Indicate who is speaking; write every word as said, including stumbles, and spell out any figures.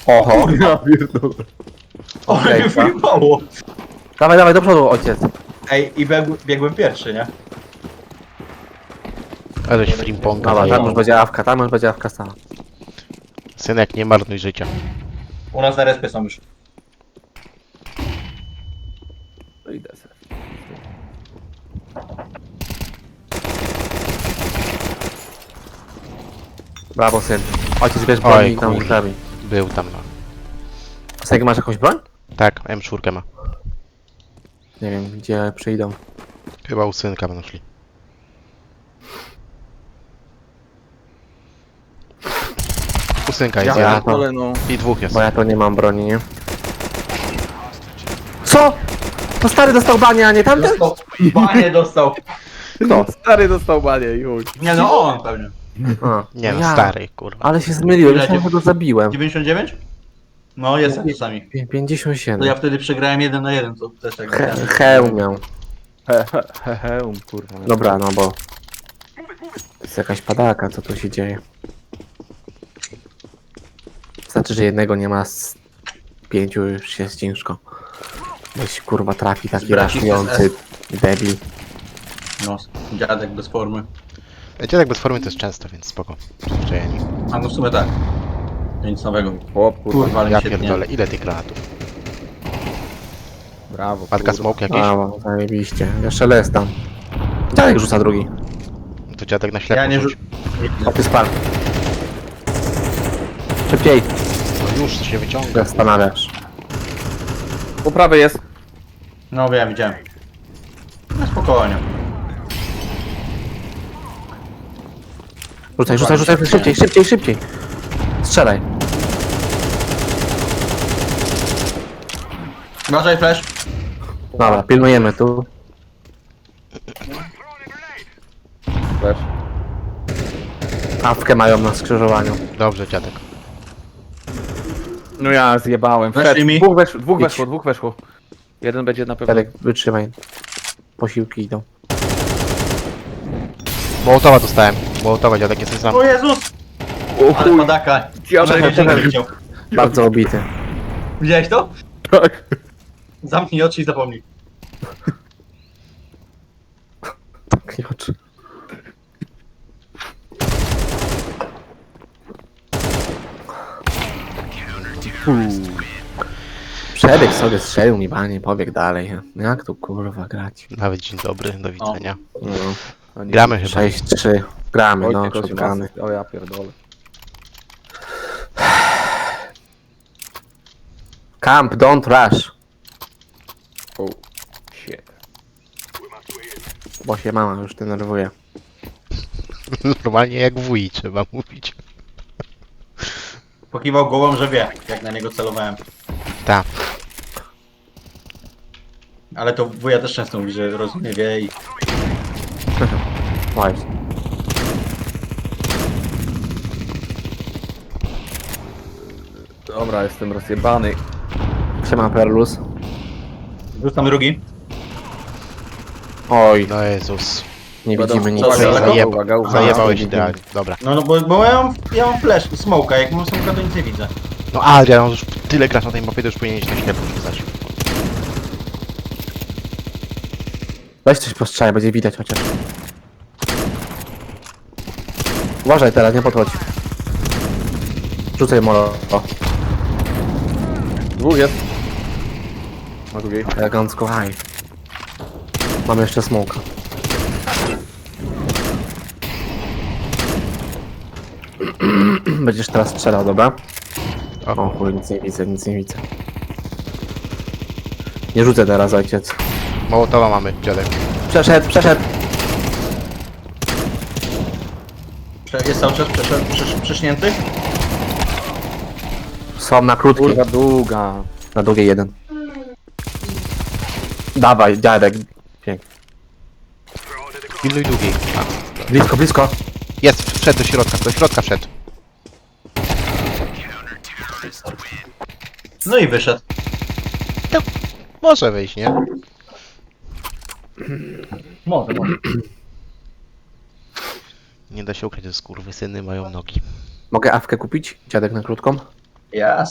Speaker 1: Oho.
Speaker 2: Ja pierdolę.
Speaker 3: O,
Speaker 1: Okej,
Speaker 3: mnie
Speaker 1: tak.
Speaker 3: wyjebało.
Speaker 1: Dawaj, dawaj, do przodu, ojciec.
Speaker 3: Ej, i biegł, biegłem pierwszy, nie?
Speaker 4: Aleś frimponga
Speaker 1: Dobra, tam
Speaker 4: zajebał.
Speaker 1: już będzie awka, tam już będzie awka stała.
Speaker 4: Synek, nie marnuj życia.
Speaker 3: U nas na respie są już.
Speaker 2: To idę sobie.
Speaker 1: Brawo, syn. Ojciec bierz
Speaker 4: Oj,
Speaker 1: broń i tam
Speaker 4: kurde.
Speaker 1: zabij.
Speaker 4: Był tam, no.
Speaker 1: Sejk, masz jakąś broń?
Speaker 4: Tak, M cztery ma.
Speaker 1: Nie wiem, gdzie przyjdą.
Speaker 4: Chyba u synka będą szli. U synka jest
Speaker 1: Ja-
Speaker 4: jeden.
Speaker 2: Ale no.
Speaker 4: I dwóch jest.
Speaker 1: Bo ja to nie mam broni, nie? Co? To stary dostał banie, a nie tamten?
Speaker 3: Dostał. Banie dostał.
Speaker 1: Kto?
Speaker 2: Stary dostał banie i chuj.
Speaker 3: Nie no, on pewnie.
Speaker 1: A,
Speaker 4: Nie no,
Speaker 1: ja.
Speaker 4: stary, kurwa.
Speaker 1: Ale się zmyliłem,
Speaker 3: Ile
Speaker 1: myślałem, że go zabiłem.
Speaker 3: dziewięćdziesiąt dziewięć? No, jestem czasami.
Speaker 1: Pię- pięćdziesiąt
Speaker 3: To
Speaker 1: siedem.
Speaker 3: ja wtedy przegrałem jeden na jeden, to też tak.
Speaker 1: He, heł miał.
Speaker 2: He, he, he, he, um, kurwa.
Speaker 1: Dobra, no bo... To jest jakaś padaka, co tu się dzieje. Znaczy, że jednego nie ma z pięciu, już jest ciężko. Weź kurwa trafi taki
Speaker 3: Bracisty
Speaker 1: raszujący debil.
Speaker 3: No, dziadek bez formy.
Speaker 4: Dziadek bez formy to jest często, więc spoko. Przyzwyczajeni.
Speaker 3: A no w sumie tak. To nic nowego.
Speaker 2: Chłop, kurwa.
Speaker 3: Kurwa, ale
Speaker 4: Ja
Speaker 3: mi się
Speaker 4: pierdolę, ile tych granatów?
Speaker 2: Brawo.
Speaker 4: Matka
Speaker 2: kurwa.
Speaker 4: smoke jakiś?
Speaker 1: Brawo, zajebiście. Jeszcze les tam. Dziadek rzuca drugi.
Speaker 4: To dziadek na ślepo
Speaker 3: Ja nie
Speaker 4: rzuci.
Speaker 3: rzu-
Speaker 1: O, ty spadł. Szybciej,
Speaker 4: No już się wyciąga.
Speaker 1: zastanawiasz.
Speaker 2: Po prawej jest.
Speaker 3: No wiem, widziałem. No spokojnie.
Speaker 1: Rzucaj, rzucaj, rzucaj, szybciej, szybciej, szybciej. Strzelaj.
Speaker 3: Uważaj, flash.
Speaker 1: Dobra, pilnujemy tu.
Speaker 2: Też.
Speaker 1: Awkę mają na skrzyżowaniu.
Speaker 4: Dobrze, dziadek.
Speaker 2: No ja zjebałem.
Speaker 3: Weszli
Speaker 2: Wszedł.
Speaker 3: mi.
Speaker 2: Dwóch, wesz, dwóch
Speaker 1: Idź.
Speaker 2: weszło, dwóch weszło. Jeden będzie na pewno.
Speaker 1: Dziadek, wytrzymaj. Posiłki idą.
Speaker 4: Mołotowa dostałem. Mołotowa, dziadek, jesteś sam.
Speaker 3: O Jezus!
Speaker 2: O
Speaker 3: Ale
Speaker 2: chuj.
Speaker 3: padaka.
Speaker 2: Dziadek,
Speaker 3: Dziadek
Speaker 1: dziadek.
Speaker 3: widział.
Speaker 1: Bardzo obity.
Speaker 3: Widziałeś to?
Speaker 2: tak.
Speaker 3: Zamknij oczy i zapomnij.
Speaker 1: Tak, nie oczy. Przebieg sobie strzelił mi banie, pobiegł dalej. Jak tu kurwa grać?
Speaker 4: Nawet dzień dobry, do widzenia.
Speaker 1: No.
Speaker 2: No nie.
Speaker 4: Gramy chyba.
Speaker 1: sześć trzy. Gramy, no,
Speaker 2: Ojciec, osiem
Speaker 1: shotguny.
Speaker 2: asyst. O ja pierdolę.
Speaker 1: Camp, don't rush.
Speaker 2: O. Shit.
Speaker 1: Bo się mama już denerwuje.
Speaker 4: Normalnie jak wuj trzeba mówić.
Speaker 3: Pokiwał głową, że wie, jak na niego celowałem.
Speaker 4: Tak.
Speaker 3: Ale to wuja też często mówi, że rozumie, wie i...
Speaker 1: Właśnie.
Speaker 2: Dobra, jestem rozjebany.
Speaker 1: Siema Perlus.
Speaker 3: Rzucam drugi.
Speaker 1: Oj,
Speaker 4: No Jezus.
Speaker 1: nie
Speaker 2: Uwaga,
Speaker 1: widzimy nic.
Speaker 3: uwaga,
Speaker 4: Zajeba,
Speaker 3: uwaga,
Speaker 2: uwaga, uwaga.
Speaker 4: zajebałeś
Speaker 1: nie
Speaker 4: idealnie. Dobra.
Speaker 3: No, no bo, bo ja mam, ja mam flash, smoka, jak mam smoka to nic nie widzę.
Speaker 4: No Adrian, on już tyle grasz na tej mapie, to już powinieneś na ślepo rzucać.
Speaker 1: Weź coś postrzałaj, będzie widać chociaż. Uważaj teraz, nie podchodź. Rzucaj molo. O,
Speaker 2: Dwóch jest. Na drugiej.
Speaker 1: elegancko, haj. Mam jeszcze smoka. Będziesz teraz strzelał, dobra? O
Speaker 4: O,
Speaker 1: chuj, nic nie widzę, nic nie widzę. Nie rzucę teraz, ojciec.
Speaker 4: Mołotowa mamy, dziadek.
Speaker 1: Przeszedł, przeszedł.
Speaker 3: Prze- Jest cały czas przeszedł, przesz, przesznięty.
Speaker 1: Są na krótkiej.
Speaker 2: Kurwa długa.
Speaker 1: Na długiej jeden. Dawaj, dziadek. Pięknie.
Speaker 4: Pilnuj długiej. A,
Speaker 1: Blisko, blisko.
Speaker 4: jest, wszedł do środka, do środka wszedł.
Speaker 3: No i wyszedł.
Speaker 4: Może wejść, nie?
Speaker 3: Może, może.
Speaker 4: Nie da się ukryć, że skurwysyny mają nogi.
Speaker 1: Mogę awkę kupić? Dziadek na krótką?
Speaker 3: Ja